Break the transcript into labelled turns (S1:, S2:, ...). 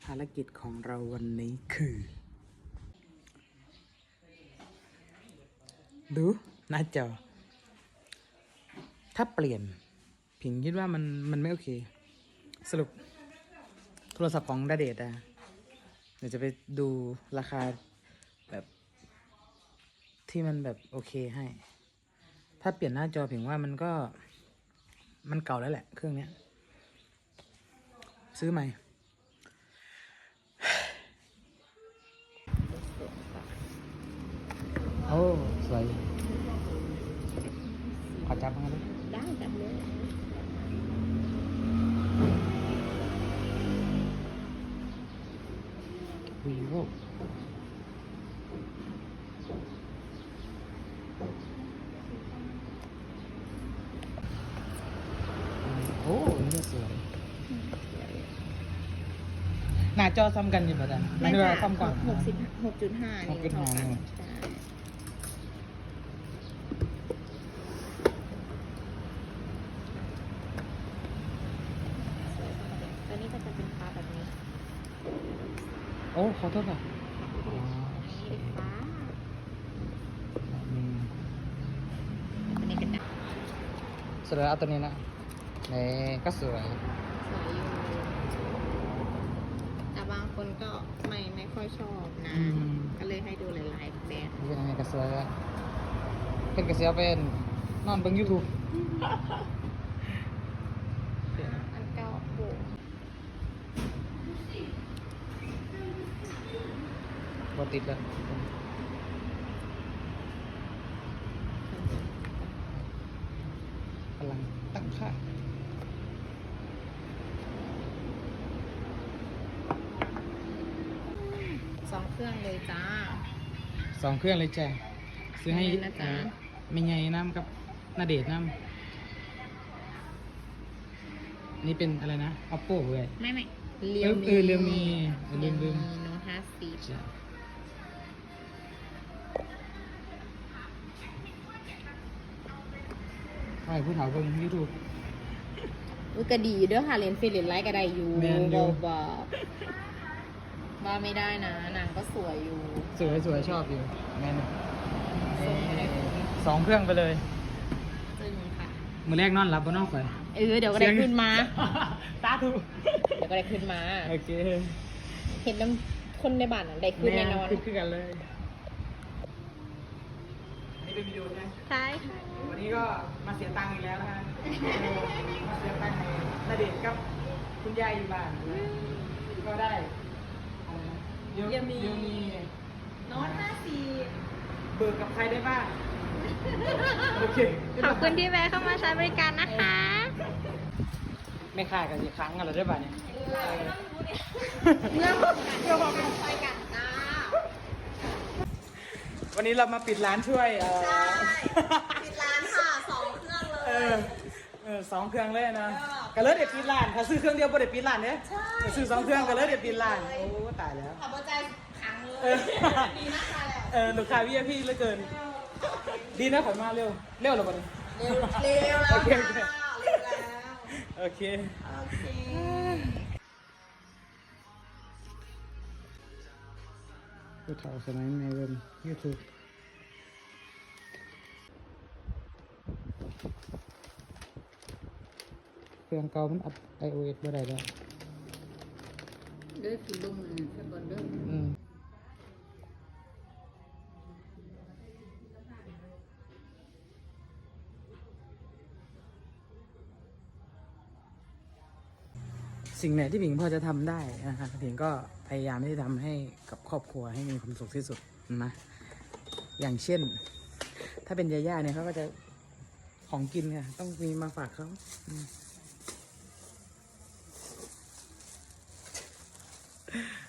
S1: ภารกิจของเราวันนี้คือ ดูหน้าจอถ้าเปลี่ยนผิงคิดว่ามันไม่โอเค สรุปโทรศัพท์ของณเดชน์อะเดี๋ยวจะไปดูราคาแบบที่มันแบบโอเคให้ ถ้าเปลี่ยนหน้าจอผิงว่ามันเก่าแล้วแหละเครื่องเนี้ย ซื้อใหม่ โอ้สวยขอจับมาด้วย
S2: ได้จับเลย
S1: วีโวโอ้นี่สวยหน้าจอซ้ำกันอยู่ป่ะจ๊ะไม่ได้ว่าซ้ำกว่า
S2: 6.5 นิ้วเท่ากันใช่ตัวนี้ก็จะเป็นฟ้าแบบนี้
S1: โอ้ขอโทษค่ะ
S2: เป็นฟ้า
S1: อืม
S2: ตัวนี้เป็นด
S1: สวยเอาตัวนี้นะนี่ก็สวย
S2: ำสวยอยู่แต่บางคนก็ไม่ค่อยชอบนะ ก็เลยให้ดูหลายๆแบบ
S1: นี่เป็นยังไงก็สวยอะเป็นกระเสียวเป็นนอนเบิ่งยูทูบ
S2: อันเก่าโบ
S1: บติดแล้วกำลังตั้งค่า
S2: 2 เครื่องเลยจ้า
S1: 2 เครื่องเลยจ้ะซื้อให้
S2: นะจ๊ะ
S1: ไม่ไงน้ำกับนาเดชน์น้ำนี่เป็นอะไรนะ Oppo เว้ย
S2: ไม่
S1: เรียวมีลืม
S2: โน้ต50
S1: จ้ะใช่ผู้เฒ่าเบิ่งยูทูบ
S2: ก็ดีอยู่เด้อค่ะเรียนฟิลิปไลท์ก็ได้อยู่
S1: แม่นอยู่
S2: บอกว่าไม่ได้นะนางก็สวยอยู่
S1: สวยชอบอยู่แม่น
S2: ส่งไปได้
S1: 2 เครื่องไปเลย
S2: จึงค่ะ
S1: มือแรกนอนหลับบนนอกข่อย
S2: เดี๋ยวก็ได้ขึ้นมา
S1: สาธุ
S2: เดี๋ยวก็ได้ขึ้นมา
S1: โอเค
S2: เห็นน้ำคนในบ้านน่ะได้ขึ้นแน่นอน
S1: ขึ้นกันเลยนี่เป็นวิดีโอใช่ไหม
S2: ใช่ค่ะ
S1: วันนี้ก็มาเสียตังค์อีกแล้วนะฮะมาเสียตังค์ให้ณเดชน์กับคุณยายอยู่บ้านก็ได้อะไรนะเดี๋ยวมี
S2: โน้ต
S1: เบิกกับใครได้บ้างโอเค
S2: ขอบคุณที่แวะเข้ามาใช้บริการนะคะ
S1: ไม่ค่ากันอีกครั้งอะไรได้บ้างเนี่ย
S2: เมื่อบอกกันไปกันจ้า
S1: วันนี้เรามาปิดร้านช่วย
S2: ปิดร้านค่ะ2 เครื่องเลย
S1: 2 เครื่องเลยนะก็เลยเด็ดปิดร้านถ้าซื้อเครื่องเดียวบ่ได้ปิดร้านเนี่ยซื้อ2 เครื่องก็เลยเด็ดปิดร้านโอ้ตายแล้ว
S2: ขับรถใจขังเลยดีมากเลย
S1: ลูกค้า VIP เหลือเกิน ดีนะขอยมาเร็วเหรอบ่เนี่ย
S2: เร็วแล้ว
S1: โอเค
S2: ค่ะเร็วแล้ว
S1: โอเค
S2: โอเค
S1: ผู้เฒ่าสมัยในเว็บ YouTube เครื่องเก่ามันอัพ iOS บ่ได้แล้ว
S2: เด้อคือลงมือแค่บนเด้อ
S1: สิ่งไหนที่ผิงพอจะทำได้นะคะผิงก็พยายามที่จะทำให้กับครอบครัวให้มีความสุขที่สุดนะอย่างเช่น ถ้าเป็นยาย่าเนี่ยเขาก็จะของกินค่ะต้องมีมาฝากเขาอืม